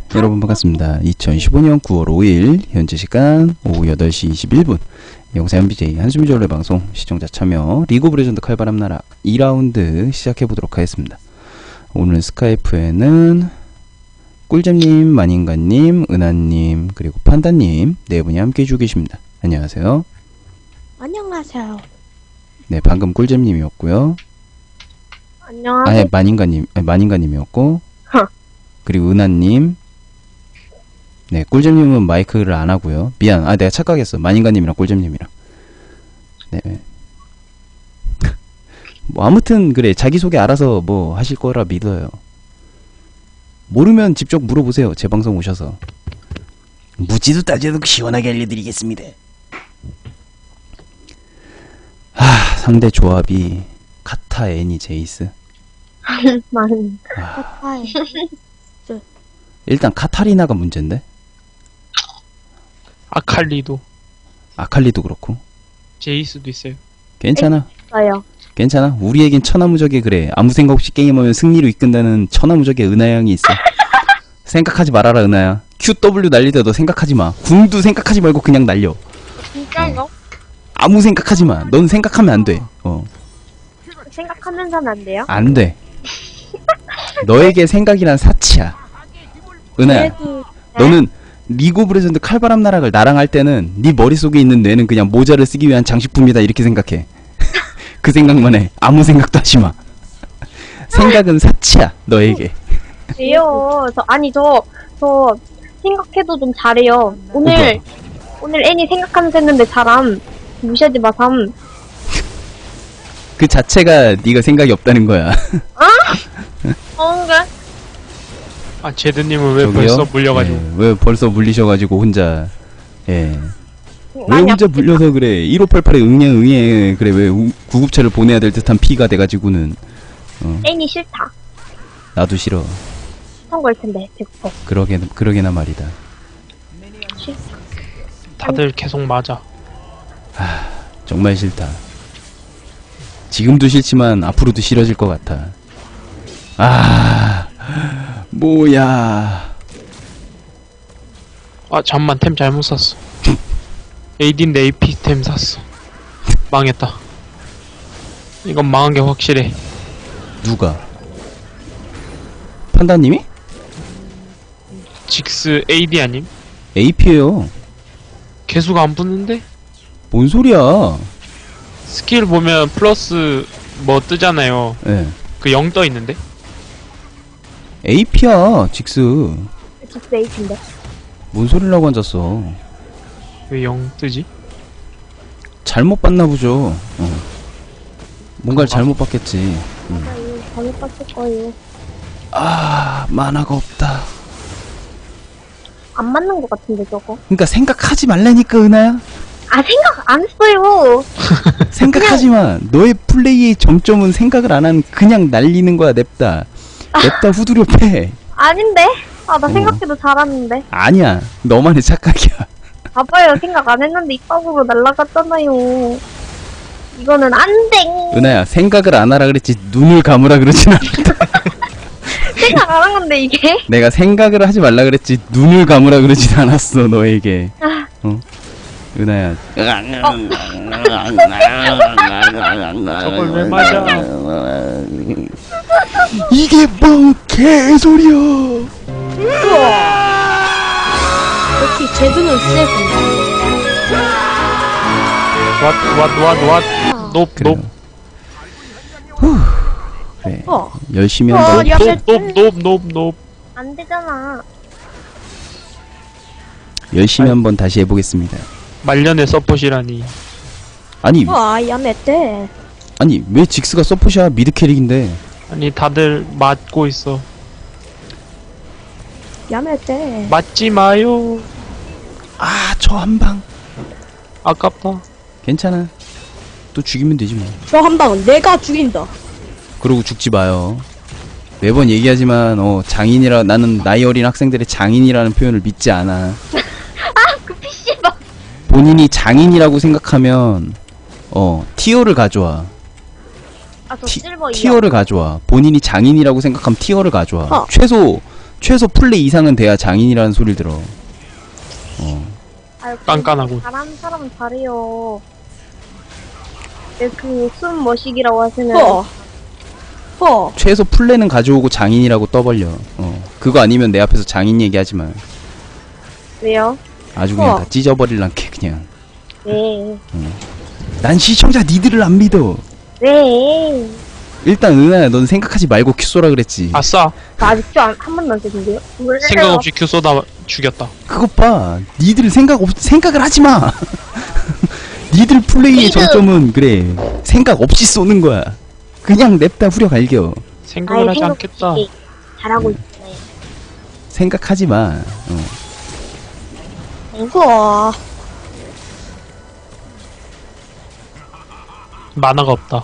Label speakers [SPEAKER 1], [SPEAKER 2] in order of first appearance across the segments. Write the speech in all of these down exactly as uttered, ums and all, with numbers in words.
[SPEAKER 1] 여러분 반갑습니다. 이천십오년 구월 오일 현재 시간 오후 여덟 시 이십일 분 영상 엠비제이 한숨이 졸래 방송 시청자 참여 리그 오브 레전드 칼바람 나락 이 라운드 시작해보도록 하겠습니다. 오늘 스카이프에는 꿀잼님, 만인가님, 은하님, 그리고 판다님 네 분이 함께 해주고 계십니다. 안녕하세요.
[SPEAKER 2] 안녕하세요.
[SPEAKER 1] 네, 방금 꿀잼님이었고요.
[SPEAKER 2] 안녕하세요.
[SPEAKER 1] 아니, 만인가님, 아니, 만인가님이었고
[SPEAKER 2] 허.
[SPEAKER 1] 그리고 은하님. 네, 꿀잼님은 마이크를 안 하고요. 미안, 아 내가 착각했어. 만인가님이랑 꿀잼님이랑. 네. 뭐 아무튼 그래, 자기소개 알아서 뭐 하실 거라 믿어요. 모르면 직접 물어보세요. 제 방송 오셔서. 묻지도 따지도 시원하게 알려드리겠습니다. 하, 상대 조합이 카타, 애니, 제이스.
[SPEAKER 2] 많은
[SPEAKER 1] 아,
[SPEAKER 2] 카타에
[SPEAKER 1] 일단 카타리나가 문제인데.
[SPEAKER 3] 아칼리도
[SPEAKER 1] 아칼리도 그렇고.
[SPEAKER 3] 제이스도 있어요.
[SPEAKER 1] 괜찮아.
[SPEAKER 2] 있어요.
[SPEAKER 1] 괜찮아. 우리에겐 천하무적의 그래. 아무 생각 없이 게임하면 승리로 이끈다는 천하무적의 은하양이 있어. 생각하지 말아라, 은하야. 큐 더블유 날릴 때 너 생각하지 마. 궁도 생각하지 말고 그냥 날려.
[SPEAKER 2] 진짜요?
[SPEAKER 1] 아무 생각하지 마. 넌 생각하면 안 돼. 어,
[SPEAKER 2] 생각하면서는 안 돼요?
[SPEAKER 1] 안 돼. 너에게 생각이란 사치야. 은하야,
[SPEAKER 2] 그래도
[SPEAKER 1] 너는 리그 오브 레전드 칼바람 나락을 나랑 할 때는 네 머릿속에 있는 뇌는 그냥 모자를 쓰기 위한 장식품이다 이렇게 생각해. 그 생각만 해. 아무 생각도 하지 마. 생각은 사치야, 너에게.
[SPEAKER 2] 돼요. 저 아니 저 저 생각해도 좀 잘해요. 오늘
[SPEAKER 1] 오빠.
[SPEAKER 2] 오늘 애니 생각하면서 했는데 잘함. 무시하지 마삼.
[SPEAKER 1] 그 자체가 네가 생각이 없다는 거야.
[SPEAKER 2] 뭔가
[SPEAKER 3] 아 제드님은 왜
[SPEAKER 1] 저기요?
[SPEAKER 3] 벌써 물려가지고
[SPEAKER 1] 예, 왜 벌써 물리셔가지고 혼자. 예. 왜
[SPEAKER 2] 많이
[SPEAKER 1] 혼자
[SPEAKER 2] 아프겠다.
[SPEAKER 1] 물려서 그래. 일오팔팔에 응애 응애 그래. 왜 우, 구급차를 보내야 될 듯한 피가 돼가지고는. 어,
[SPEAKER 2] 애니 싫다.
[SPEAKER 1] 나도 싫어.
[SPEAKER 2] 선거일 텐데 배고파.
[SPEAKER 1] 그러게 그러게나 말이다.
[SPEAKER 2] 싫다.
[SPEAKER 3] 다들 계속 맞아.
[SPEAKER 1] 정말 싫다. 지금도 싫지만 앞으로도 싫어질 것 같아. 아, 뭐야.
[SPEAKER 3] 아 잠만 템 잘못 샀어. 에이디인데 에이피 템 샀어. 망했다. 이건 망한 게 확실해.
[SPEAKER 1] 누가? 판다님이?
[SPEAKER 3] 직스 에이디 아님?
[SPEAKER 1] 에이피에요.
[SPEAKER 3] 개수가 안 붙는데?
[SPEAKER 1] 뭔 소리야?
[SPEAKER 3] 스킬 보면 플러스 뭐 뜨잖아요.
[SPEAKER 1] 예.
[SPEAKER 3] 그 영 떠 있는데?
[SPEAKER 1] 에이피야, 직스.
[SPEAKER 2] 직스 에이트인데.
[SPEAKER 1] 뭔 소리라고 앉았어.
[SPEAKER 3] 왜 영 뜨지?
[SPEAKER 1] 잘못 봤나 보죠. 어. 뭔가를 잘못 봤겠지. 음.
[SPEAKER 2] 아 이거 잘못 봤을 거예요.
[SPEAKER 1] 아, 만화가 없다.
[SPEAKER 2] 안 맞는 것 같은데 저거.
[SPEAKER 1] 그러니까 생각하지 말라니까, 은하야.
[SPEAKER 2] 아 생각 안 했어요.
[SPEAKER 1] 생각하지 마. 너의 플레이의 점점은 생각을 안 한 그냥 날리는 거야. 냅다. 냅다 후두려 패.
[SPEAKER 2] 아닌데? 아 나
[SPEAKER 1] 어.
[SPEAKER 2] 생각해도 잘하는데.
[SPEAKER 1] 아니야. 너만의 착각이야.
[SPEAKER 2] 봐봐요. 생각 안 했는데 입밥으로 날라갔잖아요. 이거는 안 돼.
[SPEAKER 1] 은하야, 생각을 안 하라 그랬지 눈을 감으라 그러진 않았다.
[SPEAKER 2] 생각 안 한 건데 이게?
[SPEAKER 1] 내가 생각을 하지 말라 그랬지 눈을 감으라 그러진 않았어. 너에게.
[SPEAKER 2] 아,
[SPEAKER 1] 어? 은하야.
[SPEAKER 3] 저걸 왜 맞아?
[SPEAKER 1] 이게 뭔 개소리야.
[SPEAKER 2] 역시 제주는 세군.
[SPEAKER 3] 왓왓왓왓 높
[SPEAKER 1] 그래요.
[SPEAKER 3] 높
[SPEAKER 1] 그래.
[SPEAKER 2] 어.
[SPEAKER 1] 열심히
[SPEAKER 2] 어,
[SPEAKER 1] 한번
[SPEAKER 2] 야.
[SPEAKER 3] 높높높높
[SPEAKER 2] 안 되잖아.
[SPEAKER 1] 열심히 한번 다시 해보겠습니다.
[SPEAKER 3] 말년의 서폿이라니.
[SPEAKER 1] 아니
[SPEAKER 2] 와, 야매때.
[SPEAKER 1] 아니 왜 직스가 서폿이야? 미드 캐릭인데.
[SPEAKER 3] 아니 다들 맞고 있어.
[SPEAKER 2] 야매때.
[SPEAKER 3] 맞지 마요.
[SPEAKER 1] 아, 저 한 방.
[SPEAKER 3] 아깝다.
[SPEAKER 1] 괜찮아. 또 죽이면 되지 뭐.
[SPEAKER 2] 저 한 방은 내가 죽인다.
[SPEAKER 1] 그러고 죽지 마요. 매번 얘기하지만 어 장인이라 나는 나이 어린 학생들의 장인이라는 표현을 믿지 않아.
[SPEAKER 2] 그 피씨방.
[SPEAKER 1] 본인이 장인이라고 생각하면 어 티어를 가져와.
[SPEAKER 2] 아, 저
[SPEAKER 1] 티,
[SPEAKER 2] 실버 이요.
[SPEAKER 1] 티어를 가져와. 본인이 장인이라고 생각하면 티어를 가져와.
[SPEAKER 2] 어.
[SPEAKER 1] 최소 최소 플레이 이상은 돼야 장인이라는 소리를 들어. 어.
[SPEAKER 2] 아유,
[SPEAKER 3] 깐깐하고.
[SPEAKER 2] 잘하는 사람은 잘해요. 그숨 머시기라고 하시는.
[SPEAKER 4] 허. 허.
[SPEAKER 1] 최소 플레이는 가져오고 장인이라고 떠벌려. 어. 그거 아니면 내 앞에서 장인 얘기하지 마.
[SPEAKER 2] 왜요?
[SPEAKER 1] 아주 그냥
[SPEAKER 4] 어.
[SPEAKER 1] 다 찢어버릴란게 그냥.
[SPEAKER 2] 네.
[SPEAKER 1] 난 시청자 니들을 안 믿어.
[SPEAKER 2] 네.
[SPEAKER 1] 일단 은하야, 넌 생각하지 말고 큐 쏘라 그랬지.
[SPEAKER 3] 아싸.
[SPEAKER 2] 나 아직도 안, 한 번도 안 쓰던데요?
[SPEAKER 3] 생각 없이 큐 쏘다 죽였다.
[SPEAKER 1] 그것 봐. 니들 생각 없 생각을 하지 마. 니들 플레이의
[SPEAKER 2] 니들.
[SPEAKER 1] 정점은 그래. 생각 없이 쏘는 거야. 그냥 냅다 후려 갈겨.
[SPEAKER 3] 생각을 하지 않겠다.
[SPEAKER 2] 잘하고
[SPEAKER 1] 네.
[SPEAKER 2] 있어요.
[SPEAKER 1] 생각하지 마. 어.
[SPEAKER 4] 허.
[SPEAKER 3] 만화가 없다.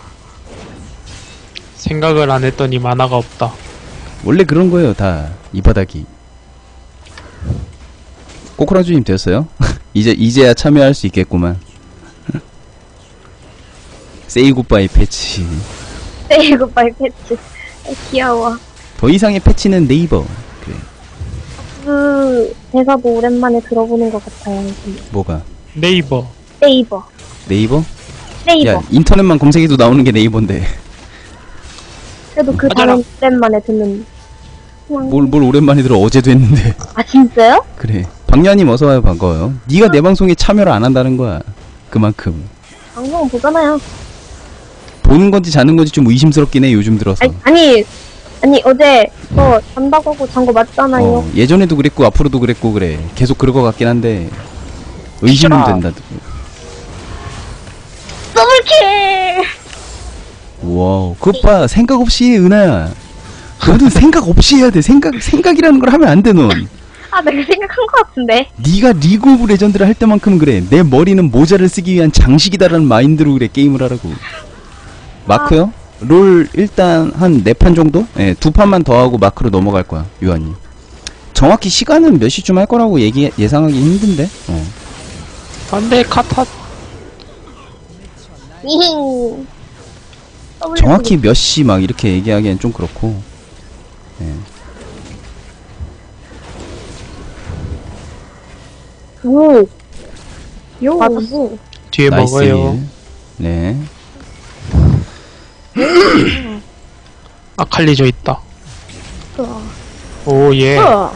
[SPEAKER 3] 생각을 안 했더니 만화가 없다.
[SPEAKER 1] 원래 그런 거예요, 다. 이 바닥이. 꼬꾸라주님 되었어요? 이제, 이제야 참여할 수 있겠구만. 세이 굿바이 패치.
[SPEAKER 2] 세이 굿바이 패치. 아, 귀여워.
[SPEAKER 1] 더 이상의 패치는 네이버. 그래.
[SPEAKER 2] 그 대사도 오랜만에 들어보는 것 같아요.
[SPEAKER 1] 뭐가?
[SPEAKER 3] 네이버.
[SPEAKER 2] 네이버.
[SPEAKER 1] 네이버?
[SPEAKER 2] 네이버.
[SPEAKER 1] 야, 인터넷만 검색해도 나오는 게 네이버인데.
[SPEAKER 2] 그래도 그
[SPEAKER 3] 맞아라.
[SPEAKER 2] 단어 오랜만에 듣는. 그냥-
[SPEAKER 1] 뭘, 뭘 오랜만에 들어. 어제도 했는데.
[SPEAKER 2] 아 진짜요?
[SPEAKER 1] 그래. 박녀님 어서와요. 반가워요. 네가 내 방송에 참여를 안 한다는 거야. 그만큼.
[SPEAKER 2] 방송 보잖아요.
[SPEAKER 1] 보는 건지 자는 건지 좀 의심스럽긴 해, 요즘 들어서.
[SPEAKER 2] 아니 아니, 아니 어제 저 잔다고 하고 잔 거 맞잖아요.
[SPEAKER 1] 어, 예전에도 그랬고 앞으로도 그랬고 그래. 계속 그럴 것 같긴 한데 의심은
[SPEAKER 3] 진짜.
[SPEAKER 1] 된다.
[SPEAKER 2] 더블킬.
[SPEAKER 1] 와우, 그것 봐. 생각 없이 해, 은하야. 너는 생각 없이 해야 돼. 생각 생각이라는 걸 하면 안 돼, 넌.
[SPEAKER 2] 아 내가 생각한 것 같은데.
[SPEAKER 1] 네가 리그 오브 레전드를 할 때만큼 그래. 내 머리는 모자를 쓰기 위한 장식이다라는 마인드로 그래 게임을 하라고. 마크요? 롤 일단 한 네 판 정도? 예, 두 판만 더 하고 마크로 넘어갈 거야, 유한이. 정확히 시간은 몇 시쯤 할 거라고 얘기 예상하기 힘든데. 어.
[SPEAKER 3] 안돼 카타.
[SPEAKER 2] 이힝. 더블킬.
[SPEAKER 1] 정확히 몇 시 막 이렇게 얘기하기엔 좀 그렇고. 예.
[SPEAKER 2] 오.
[SPEAKER 4] 요.
[SPEAKER 2] 맞았어.
[SPEAKER 3] 뒤에
[SPEAKER 1] 나이스
[SPEAKER 3] 먹어요.
[SPEAKER 1] 일. 네.
[SPEAKER 3] 아칼리저 있다.
[SPEAKER 4] 허.
[SPEAKER 3] 오 예.
[SPEAKER 4] 허.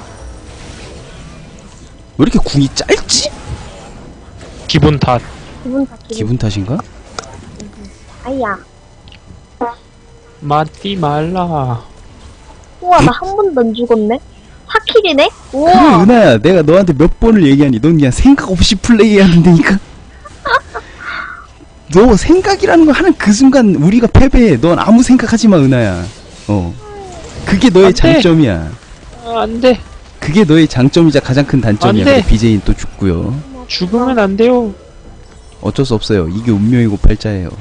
[SPEAKER 1] 왜 이렇게 궁이 짧지?
[SPEAKER 3] 기분 탓.
[SPEAKER 2] 기분 다 기분.
[SPEAKER 1] 기분 탓인가?
[SPEAKER 2] 아야.
[SPEAKER 3] 맞디 말라.
[SPEAKER 2] 우와 나 한 번도 안 죽었네. 사 킬이네?
[SPEAKER 1] 그래,
[SPEAKER 2] 우와.
[SPEAKER 1] 은하야. 내가 너한테 몇 번을 얘기하니. 넌 그냥 생각 없이 플레이해야 된다니까. 너 생각이라는 걸 하는 그 순간 우리가 패배해. 넌 아무 생각하지 마, 은하야. 어. 그게 너의
[SPEAKER 3] 안 돼.
[SPEAKER 1] 장점이야.
[SPEAKER 3] 아, 안돼.
[SPEAKER 1] 그게 너의 장점이자 가장 큰 단점이야.
[SPEAKER 3] 안 돼.
[SPEAKER 1] 근데 비제이는 또 죽고요.
[SPEAKER 3] 죽으면 안 돼요.
[SPEAKER 1] 어쩔 수 없어요. 이게 운명이고 팔자예요.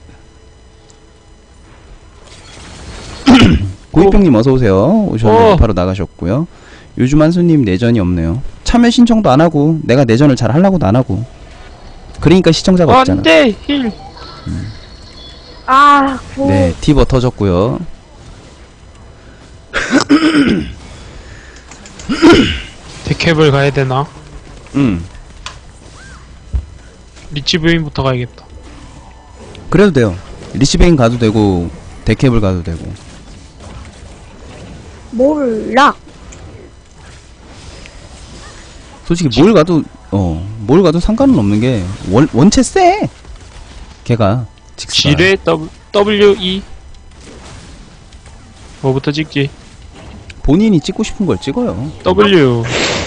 [SPEAKER 1] 고이병님 어서오세요. 오셨는데
[SPEAKER 3] 어.
[SPEAKER 1] 바로 나가셨고요. 요즘 한수님 내전이 없네요. 참여 신청도 안하고 내가 내전을 잘 하려고도 안하고. 그러니까 시청자가 없잖아.
[SPEAKER 3] 안돼 힐.
[SPEAKER 2] 아 구.
[SPEAKER 1] 네, 티버 터졌고요.
[SPEAKER 3] 데캡을 가야 되나?
[SPEAKER 1] 음,
[SPEAKER 3] 리치 부인부터 가야겠다.
[SPEAKER 1] 그래도 돼요. 리시베인 가도 되고 데캡을 가도 되고.
[SPEAKER 4] 몰라.
[SPEAKER 1] 솔직히 뭘 가도 어, 뭘 가도 상관은 없는 게 원, 원체 쎄. 걔가 직스가.
[SPEAKER 3] 지뢰 W W E. 뭐부터 찍지?
[SPEAKER 1] 본인이 찍고 싶은 걸 찍어요.
[SPEAKER 3] W.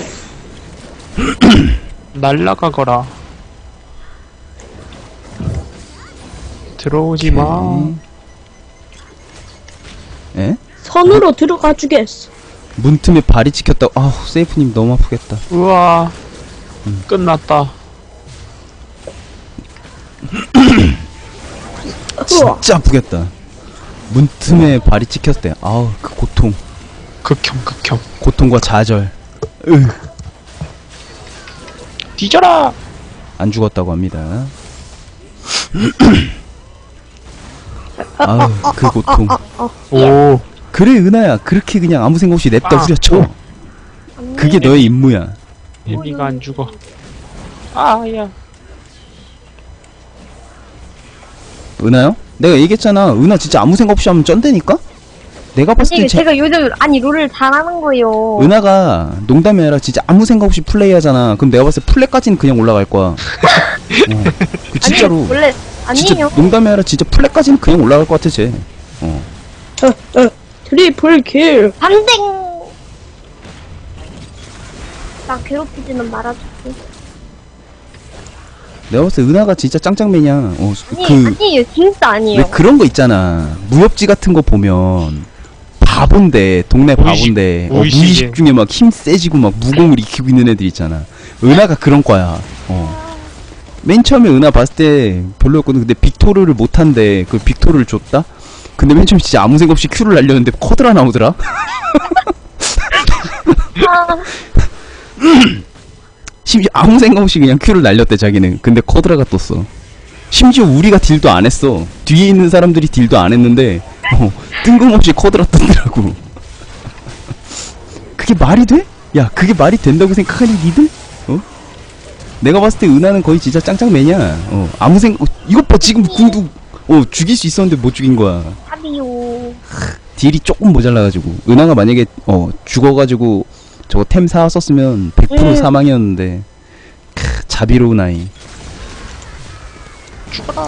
[SPEAKER 3] 날라가거라. 들어오지 마.
[SPEAKER 1] 예?
[SPEAKER 4] 선으로 들어가 주겠어.
[SPEAKER 1] 문틈에 발이 찍혔다. 아우, 세이프님 너무 아프겠다.
[SPEAKER 3] 우와.
[SPEAKER 1] 음.
[SPEAKER 3] 끝났다.
[SPEAKER 4] 우와.
[SPEAKER 1] 진짜 아프겠다. 문틈에 발이 찍혔대. 아우, 그 고통.
[SPEAKER 3] 극혐 극혐.
[SPEAKER 1] 고통과 좌절. 으,
[SPEAKER 3] 뒤져라.
[SPEAKER 1] 안 죽었다고 합니다. 아우, 그 고통.
[SPEAKER 3] 오.
[SPEAKER 1] 그래, 은하야. 그렇게 그냥 아무 생각 없이 냅다
[SPEAKER 3] 아.
[SPEAKER 1] 후려쳐.
[SPEAKER 2] 언니.
[SPEAKER 1] 그게 너의 임무야.
[SPEAKER 3] 애미가 안 죽어. 아야.
[SPEAKER 1] 은하요? 내가 얘기했잖아. 은하 진짜 아무 생각 없이 하면 쩐다니까? 내가 봤을
[SPEAKER 2] 아니
[SPEAKER 1] 때 제,
[SPEAKER 2] 제가 요즘 아니 롤을 잘하는 거예요.
[SPEAKER 1] 은하가 농담이 아니라 진짜 아무 생각 없이 플레이 하잖아. 그럼 내가 봤을 때 플랫까지는 그냥 올라갈 거야. 어. 그 진짜로.
[SPEAKER 2] 아니, 원래
[SPEAKER 1] 진짜
[SPEAKER 2] 아니에요.
[SPEAKER 1] 농담이 아니라 진짜 플랫까지는 그냥 올라갈 것 같아, 쟤. 어.
[SPEAKER 4] 어, 어, 트리플 킬.
[SPEAKER 2] 반댕. 나 괴롭히지는 말아줄게.
[SPEAKER 1] 내가 봤을 때 은하가 진짜 짱짱맨이야. 어,
[SPEAKER 2] 아니
[SPEAKER 1] 그,
[SPEAKER 2] 아니에요. 진짜
[SPEAKER 1] 왜
[SPEAKER 2] 아니에요.
[SPEAKER 1] 그런 거 있잖아. 무협지 같은 거 보면 바본데, 동네
[SPEAKER 3] 무의식,
[SPEAKER 1] 바본데, 어,
[SPEAKER 3] 무의식에.
[SPEAKER 1] 무의식 중에 막 힘 세지고 막 무공을 익히고 있는 애들 있잖아. 은하가 그런 거야. 어. 맨 처음에 은하 봤을 때 별로였거든. 근데 빅토르를 못한대. 그 빅토르를 줬다? 근데 맨 처음에 진짜 아무 생각 없이 큐를 날렸는데 커드라 나오더라?
[SPEAKER 2] 아,
[SPEAKER 1] 심지어 아무 생각 없이 그냥 큐를 날렸대, 자기는. 근데 커드라가 떴어. 심지어 우리가 딜도 안 했어. 뒤에 있는 사람들이 딜도 안 했는데, 어, 뜬금없이 커드라 떴더라고. 그게 말이 돼? 야, 그게 말이 된다고 생각하니, 니들? 어? 내가 봤을 때 은하는 거의 진짜 짱짱맨이야. 어, 아무 생각, 이것 봐, 지금 궁도, 어, 죽일 수 있었는데 못 죽인 거야.
[SPEAKER 2] 아비요.
[SPEAKER 1] 딜이 조금 모자라가지고. 은하가 만약에, 어, 죽어가지고, 저거 템 사왔었으면 백 퍼센트
[SPEAKER 2] 음.
[SPEAKER 1] 사망이었는데, 크, 자비로운 아이.
[SPEAKER 3] 죽어라.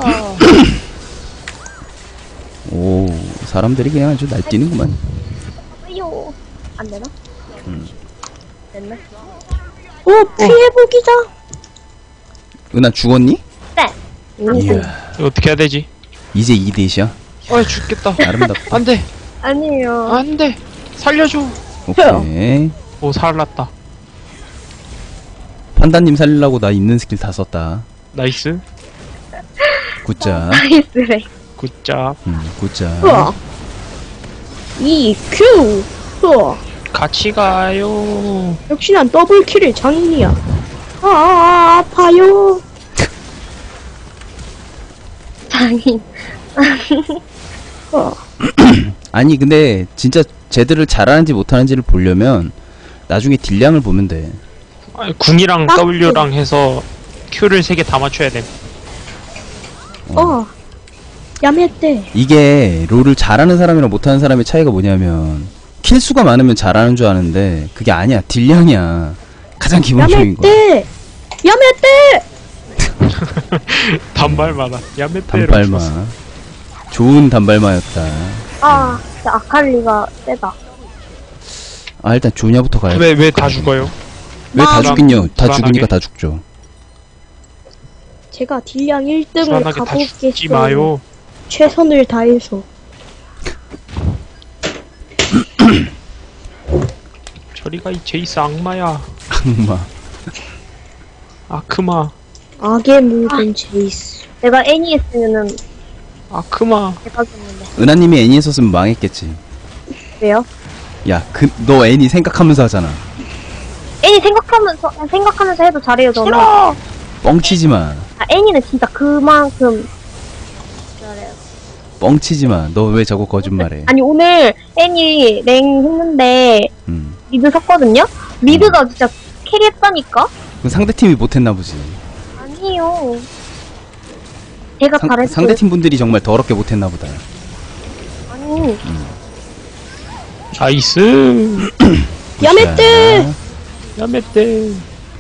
[SPEAKER 1] 오, 사람들이 그냥 아주 날뛰는구만.
[SPEAKER 2] 아비요. 안 되나?
[SPEAKER 1] 음.
[SPEAKER 2] 됐네.
[SPEAKER 4] 어, 피해보기자.
[SPEAKER 1] 은하 죽었니?
[SPEAKER 2] 네.
[SPEAKER 1] 이야,
[SPEAKER 3] 이거 어떻게 해야 되지?
[SPEAKER 1] 이제 이 대시야?
[SPEAKER 3] 아 죽겠다.
[SPEAKER 1] 아름답다.
[SPEAKER 3] 안 돼.
[SPEAKER 2] 아니에요.
[SPEAKER 3] 안 돼. 살려줘.
[SPEAKER 1] 오케이.
[SPEAKER 3] 오 살았다.
[SPEAKER 1] 판다님 살리려고 나 있는 스킬 다 썼다.
[SPEAKER 3] 나이스.
[SPEAKER 1] 굿자.
[SPEAKER 2] 나이스래.
[SPEAKER 3] 굿잡.
[SPEAKER 1] 음, 굿자.
[SPEAKER 4] 으아. 이 큐. 으아.
[SPEAKER 3] 같이 가요.
[SPEAKER 4] 역시 난 더블 킬의 장인이야. 아, 아, 아파요.
[SPEAKER 2] 장인.
[SPEAKER 4] 어.
[SPEAKER 1] 아니, 근데 진짜 쟤들을 잘하는지 못하는지를 보려면 나중에 딜량을 보면 돼.
[SPEAKER 3] 아니, 궁이랑
[SPEAKER 4] 딱
[SPEAKER 3] W랑 해서 Q를 세 개 다 맞춰야 돼.
[SPEAKER 4] 어. 야매떼.
[SPEAKER 1] 이게 롤을 잘하는 사람이랑 못하는 사람의 차이가 뭐냐면 킬수가 많으면 잘하는 줄 아는데 그게 아니야. 딜량이야. 가장 기본적인 거.
[SPEAKER 4] 야매떼. 야매떼.
[SPEAKER 3] 단발마다. 야메테로.
[SPEAKER 1] 단발마. 좋은 단발마였다.
[SPEAKER 2] 아, 진짜 아칼리가 세다.
[SPEAKER 1] 아, 일단 조냐부터 가야 돼.
[SPEAKER 3] 왜왜 다 죽어요?
[SPEAKER 1] 왜 다
[SPEAKER 4] 나-
[SPEAKER 1] 죽긴요? 다
[SPEAKER 3] 불안하게.
[SPEAKER 1] 죽으니까 다 죽죠.
[SPEAKER 4] 제가 딜량 일 등을
[SPEAKER 3] 불안하게 다 죽지
[SPEAKER 4] 가보겠어요.
[SPEAKER 3] 마요.
[SPEAKER 4] 최선을 다해서.
[SPEAKER 3] 저리가 이 제이스 악마야.
[SPEAKER 1] 악마.
[SPEAKER 3] 아크마.
[SPEAKER 4] 악의 모든 제이스.
[SPEAKER 2] 내가 애니했으면은
[SPEAKER 3] 아크마.
[SPEAKER 2] 대박이었는데.
[SPEAKER 1] 은하님이 애니 했었으면 망했겠지.
[SPEAKER 2] 왜요?
[SPEAKER 1] 야, 그, 너 애니 생각하면서 하잖아.
[SPEAKER 2] 애니 생각하면서 생각하면서 해도 잘해요 저는.
[SPEAKER 1] 뻥치지 마.
[SPEAKER 2] 아, 애니는 진짜 그만큼 잘해요.
[SPEAKER 1] 뻥치지 마. 너 왜 저거 거짓말해?
[SPEAKER 2] 아니 오늘 애니 랭 했는데
[SPEAKER 1] 음.
[SPEAKER 2] 미드 섰거든요? 미드가 진짜 캐리했다니까?
[SPEAKER 1] 그 상대팀이 못했나 보지.
[SPEAKER 2] 아니에요. 제가
[SPEAKER 1] 상,
[SPEAKER 2] 잘했어요.
[SPEAKER 1] 상대팀 분들이 정말 더럽게 못했나 보다.
[SPEAKER 2] 아니
[SPEAKER 3] 나이스.
[SPEAKER 4] 야매떼.
[SPEAKER 1] 자,
[SPEAKER 3] 야메테.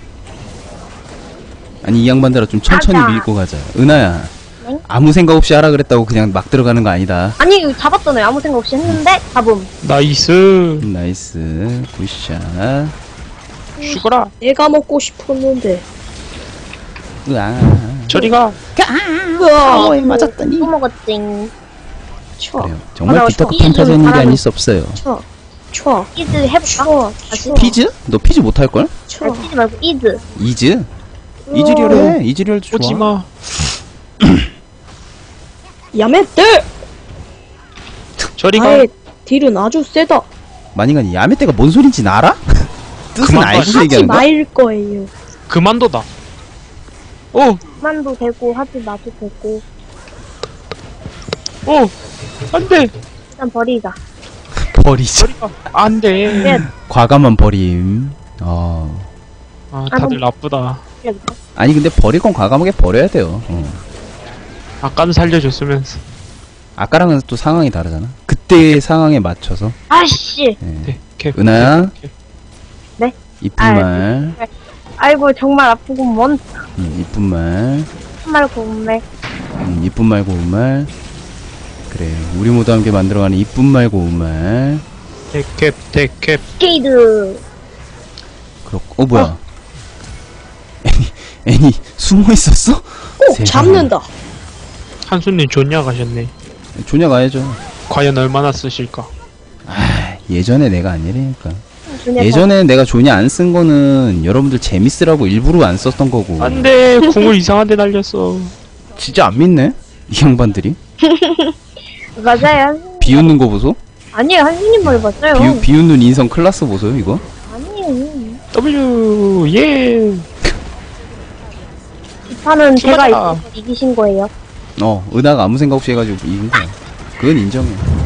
[SPEAKER 1] 아니 이 양반들아 좀 천천히
[SPEAKER 2] 가자.
[SPEAKER 1] 밀고 가자. 은하야.
[SPEAKER 2] 네?
[SPEAKER 1] 아무 생각 없이 하라 그랬다고 그냥 막 들어가는 거 아니다.
[SPEAKER 2] 아니 이거 잡았잖아요. 아무 생각 없이 했는데 잡음.
[SPEAKER 3] 나이스.
[SPEAKER 1] 나이스. 굿샷.
[SPEAKER 3] 죽어라.
[SPEAKER 4] 내가 먹고 싶었는데.
[SPEAKER 1] 으아.
[SPEAKER 3] 저리가.
[SPEAKER 4] 으아.
[SPEAKER 1] 맞았더니.
[SPEAKER 2] 또 먹었징.
[SPEAKER 4] 쳐.
[SPEAKER 1] 그래요. 정말
[SPEAKER 2] 아,
[SPEAKER 1] 비타고
[SPEAKER 2] 저
[SPEAKER 1] 판타지는
[SPEAKER 2] 이름
[SPEAKER 1] 일이
[SPEAKER 2] 잘하는-
[SPEAKER 1] 아닐 수 없어요.
[SPEAKER 4] 쳐. 쳐.
[SPEAKER 2] 이즈 해볼까?
[SPEAKER 4] 쳐.
[SPEAKER 2] 다시?
[SPEAKER 4] 쳐.
[SPEAKER 1] 피즈? 너 피즈 못할걸?
[SPEAKER 4] 쳐.
[SPEAKER 2] 아니, 피지 말고 이즈.
[SPEAKER 1] 이즈? 이즈리얼 해. 이즈리얼 좋아.
[SPEAKER 3] 오지마.
[SPEAKER 4] 야매떼.
[SPEAKER 3] 저리가.
[SPEAKER 4] 나의 딜은 아주 세다.
[SPEAKER 1] 만인간이 야매떼가 뭔 소린지 알아? 뜻은
[SPEAKER 3] 그만
[SPEAKER 1] 알고
[SPEAKER 3] 하지
[SPEAKER 4] 하지
[SPEAKER 1] 얘기하는 거야?
[SPEAKER 4] 말 거예요.
[SPEAKER 3] 그만둬다. 오.
[SPEAKER 2] 만도 되고 하지 마도 되고
[SPEAKER 3] 오. 안돼.
[SPEAKER 2] 일단 버리자.
[SPEAKER 1] 버리자.
[SPEAKER 3] 저리가. 안돼.
[SPEAKER 2] 네.
[SPEAKER 1] 과감한 버림. 어.
[SPEAKER 3] 아 다들 나쁘다.
[SPEAKER 1] 아니 근데 버릴 건 과감하게 버려야 돼요. 어.
[SPEAKER 3] 아까는 살려줬으면서.
[SPEAKER 1] 아까랑은 또 상황이 다르잖아. 그때의 상황에 맞춰서.
[SPEAKER 2] 아씨.
[SPEAKER 1] 네.
[SPEAKER 3] 네, 캡.
[SPEAKER 1] 은하야.
[SPEAKER 3] 캡.
[SPEAKER 2] 네?
[SPEAKER 1] 이쁜
[SPEAKER 2] 아,
[SPEAKER 1] 말.
[SPEAKER 2] 아이고 정말 아프구먼.
[SPEAKER 1] 음, 이쁜 말.
[SPEAKER 2] 정말 고운말.
[SPEAKER 1] 음, 이쁜 말 고운 말. 그래. 우리 모두 함께 만들어가는 이쁜 말 고운 말.
[SPEAKER 3] 대캡, 대캡.
[SPEAKER 2] 게이드.
[SPEAKER 1] 그렇고. 어 뭐야? 애니 애니 숨어 있었어?
[SPEAKER 4] 오
[SPEAKER 1] 세상에.
[SPEAKER 4] 잡는다.
[SPEAKER 3] 한수님 존냐 가셨네.
[SPEAKER 1] 조냐 가야죠.
[SPEAKER 3] 과연 얼마나 쓰실까?
[SPEAKER 1] 아 예전에 내가 아니라니까.
[SPEAKER 2] 준혁아.
[SPEAKER 1] 예전에 내가 조냐 안 쓴 거는 여러분들 재밌으라고 일부러 안 썼던 거고.
[SPEAKER 3] 안돼, 궁을 이상한 데 날렸어.
[SPEAKER 1] 진짜 안 믿네? 이 양반들이?
[SPEAKER 2] 맞아요.
[SPEAKER 1] 비웃는 거 보소?
[SPEAKER 2] 아니에요, 한수님 말 맞아요.
[SPEAKER 1] 비우, 비웃는 인성 클라스 보소요 이거?
[SPEAKER 2] 아니에요.
[SPEAKER 3] W, 예.
[SPEAKER 2] 이 판은 제가
[SPEAKER 3] 맞아.
[SPEAKER 2] 이- 이기신 거예요.
[SPEAKER 1] 어 은하가 아무 생각 없이 해가지고 이긴 거야. 그건 인정해.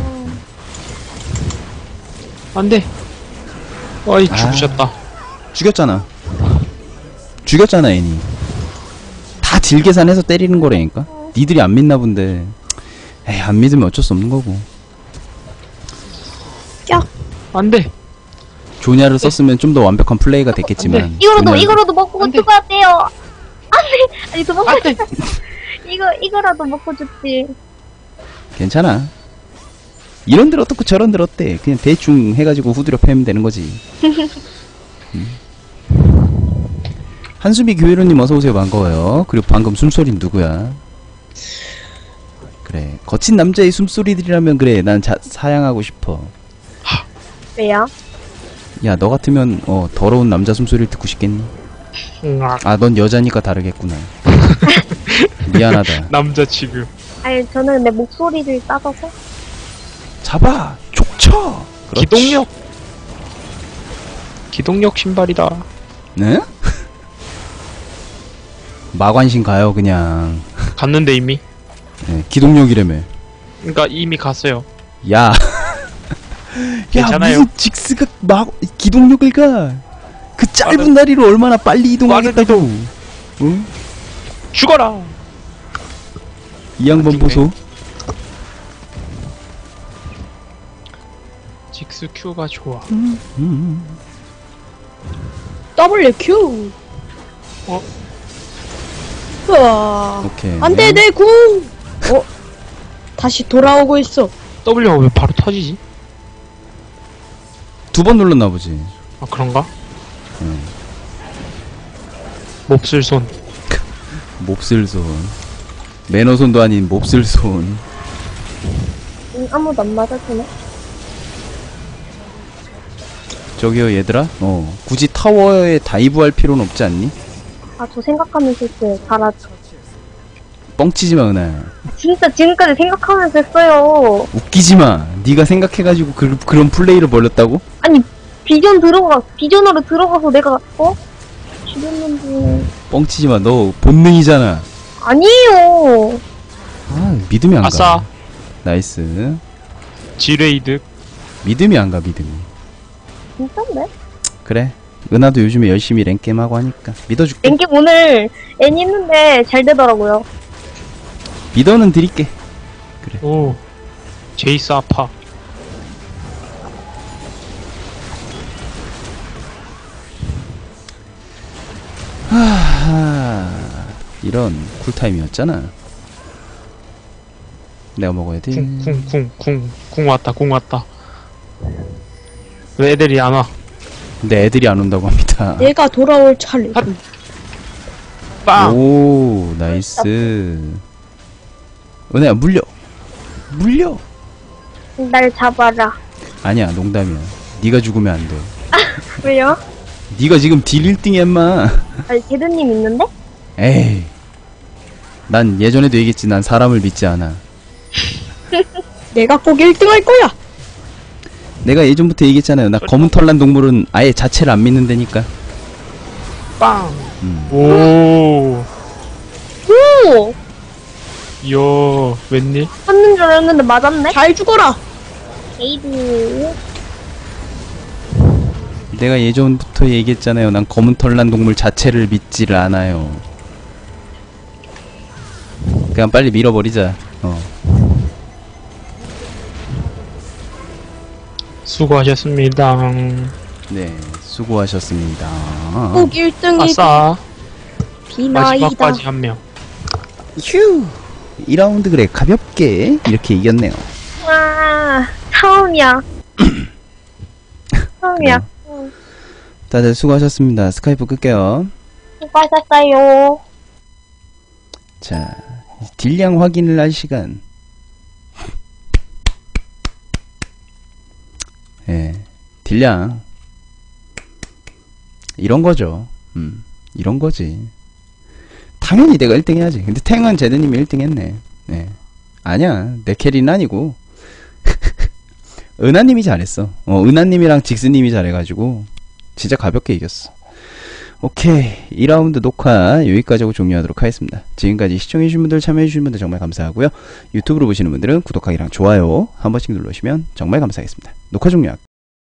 [SPEAKER 3] 안돼. 어이,
[SPEAKER 1] 아.
[SPEAKER 3] 죽으셨다.
[SPEAKER 1] 죽였잖아. 죽였잖아 애니. 다 딜 계산해서 때리는 거라니까. 니들이 안 믿나 본데. 에이 안 믿으면 어쩔 수 없는 거고.
[SPEAKER 3] 안돼.
[SPEAKER 1] 조냐를 썼으면 좀 더 완벽한 플레이가 됐겠지만.
[SPEAKER 2] 이거라도,
[SPEAKER 1] 조냐-
[SPEAKER 2] 이거라도 먹고
[SPEAKER 3] 안 돼.
[SPEAKER 2] 죽어야 돼요. 안 돼. 아니, 도망가.
[SPEAKER 3] 안돼.
[SPEAKER 2] 이거, 이거라도 먹고 죽지.
[SPEAKER 1] 괜찮아. 이런 들 어떻고 저런 들 어때? 그냥 대충 해가지고 후드려 패면 되는 거지. 음. 한수미 교회로님 어서오세요. 반가워요. 그리고 방금 숨소리는 누구야? 그래 거친 남자의 숨소리들이라면 그래 난 자, 사양하고 싶어.
[SPEAKER 2] 왜요?
[SPEAKER 1] 야 너 같으면 어 더러운 남자 숨소리를 듣고 싶겠니?
[SPEAKER 3] 응악.
[SPEAKER 1] 아 넌 여자니까 다르겠구나. 미안하다.
[SPEAKER 3] 남자 지금.
[SPEAKER 2] 아니, 저는 내 목소리를 따져서.
[SPEAKER 1] 잡아 족쳐. 그렇지.
[SPEAKER 3] 기동력. 기동력 신발이다.
[SPEAKER 1] 네? 마관신 가요 그냥.
[SPEAKER 3] 갔는데 이미.
[SPEAKER 1] 네, 기동력이라며.
[SPEAKER 3] 그러니까 이미 갔어요.
[SPEAKER 1] 야.
[SPEAKER 3] 괜찮아요.
[SPEAKER 1] 야, 무슨 직스가 막 기동력을 가. 그 짧은
[SPEAKER 3] 빠른-
[SPEAKER 1] 다리로 얼마나 빨리 이동하겠다고. 응?
[SPEAKER 3] 죽어라.
[SPEAKER 1] 이 양반
[SPEAKER 3] 아,
[SPEAKER 1] 보소.
[SPEAKER 3] 직스 Q가 좋아.
[SPEAKER 1] 음.
[SPEAKER 4] W Q.
[SPEAKER 3] 어?
[SPEAKER 4] 우와.
[SPEAKER 1] 오케이.
[SPEAKER 4] 안돼 내 궁. 어? 다시 돌아오고 있어.
[SPEAKER 3] W가 왜 바로 터지지?
[SPEAKER 1] 두 번 눌렀나 보지.
[SPEAKER 3] 아 그런가?
[SPEAKER 1] 응.
[SPEAKER 3] 몹쓸 손.
[SPEAKER 1] 몹쓸손. 매너손도 아닌 몹쓸손.
[SPEAKER 2] 응, 아무도 안 맞아주네.
[SPEAKER 1] 저기요 얘들아. 어 굳이 타워에 다이브할 필요는 없지 않니?
[SPEAKER 2] 아, 저 생각하면서 했어요. 잘하죠.
[SPEAKER 1] 뻥치지마 은하야.
[SPEAKER 2] 진짜 지금까지 생각하면서 했어요.
[SPEAKER 1] 웃기지마. 네가 생각해가지고 그, 그런 플레이를 벌렸다고?
[SPEAKER 2] 아니, 비전 들어가, 비전으로 들어가서 내가, 어? 죽였는데.
[SPEAKER 1] 뻥치지마. 너 본능이잖아.
[SPEAKER 2] 아니에요.
[SPEAKER 1] 아 믿음이 안 가.
[SPEAKER 3] 아싸.
[SPEAKER 1] 나이스.
[SPEAKER 3] 지레이드.
[SPEAKER 1] 믿음이 안 가 믿음이.
[SPEAKER 2] 진짠데?
[SPEAKER 1] 그래. 은하도 요즘에 열심히 랭게임 하고 하니까 믿어줄게.
[SPEAKER 2] 랭겜 오늘 애니 했는데 잘 되더라고요.
[SPEAKER 1] 믿어는 드릴게.
[SPEAKER 3] 오. 제이스 아파.
[SPEAKER 1] 하하. 이런 쿨타임이었잖아. 내가 먹어야 돼.
[SPEAKER 3] 쿵 쿵 쿵 쿵 쿵 왔다 궁 왔다. 왜 애들이 안 와?
[SPEAKER 1] 근데 애들이 안 온다고 합니다.
[SPEAKER 4] 내가 돌아올 차례.
[SPEAKER 3] 아. 빵.
[SPEAKER 1] 오 나이스. 은혜야 물려. 물려.
[SPEAKER 2] 날 잡아라.
[SPEAKER 1] 아니야 농담이야. 네가 죽으면 안 돼.
[SPEAKER 2] 왜요?
[SPEAKER 1] 네가 지금 딜 일 등이야 인마.
[SPEAKER 2] 아니, 제드님 있는데?
[SPEAKER 1] 에이. 난 예전에도 얘기했지. 난 사람을 믿지 않아.
[SPEAKER 4] 내가 꼭 일 등 할 거야.
[SPEAKER 1] 내가 예전부터 얘기했잖아요. 나 검은 털난 동물은 아예 자체를 안 믿는다니까.
[SPEAKER 3] 빵.
[SPEAKER 1] 음.
[SPEAKER 3] 오.
[SPEAKER 2] 오!
[SPEAKER 3] 이야 웬일?
[SPEAKER 2] 맞는 줄 알았는데 맞았네?
[SPEAKER 4] 잘 죽어라.
[SPEAKER 2] 게이드.
[SPEAKER 1] 내가 예전부터 얘기했잖아요. 난 검은 털난 동물 자체를 믿지를 않아요. 그냥 빨리 밀어버리자. 어.
[SPEAKER 3] 수고하셨습니다.
[SPEAKER 1] 네, 수고하셨습니다.
[SPEAKER 4] 꼭 일 등이
[SPEAKER 3] 아싸.
[SPEAKER 4] 비나이다.
[SPEAKER 3] 마지막까지 한 명.
[SPEAKER 1] 휴. 이 라운드 그래 가볍게 이렇게 이겼네요.
[SPEAKER 2] 와, 처음이야. 처음이야. 응.
[SPEAKER 1] 다들 수고하셨습니다. 스카이프 끌게요.
[SPEAKER 2] 수고하셨어요.
[SPEAKER 1] 자, 딜량 확인을 할 시간. 예, 딜량. 이런 거죠. 음, 이런 거지. 당연히 내가 일 등 해야지. 근데 탱은 제드님이 일 등 했네. 네. 아니야, 내 캐리는 아니고. 은하님이 잘했어. 어, 은하님이랑 직스님이 잘해가지고, 진짜 가볍게 이겼어. 오케이. 이 라운드 녹화 여기까지 하고 종료하도록 하겠습니다. 지금까지 시청해주신 분들, 참여해주신 분들 정말 감사하고요. 유튜브로 보시는 분들은 구독하기랑 좋아요 한 번씩 눌러주시면 정말 감사하겠습니다. 녹화 종료할게요.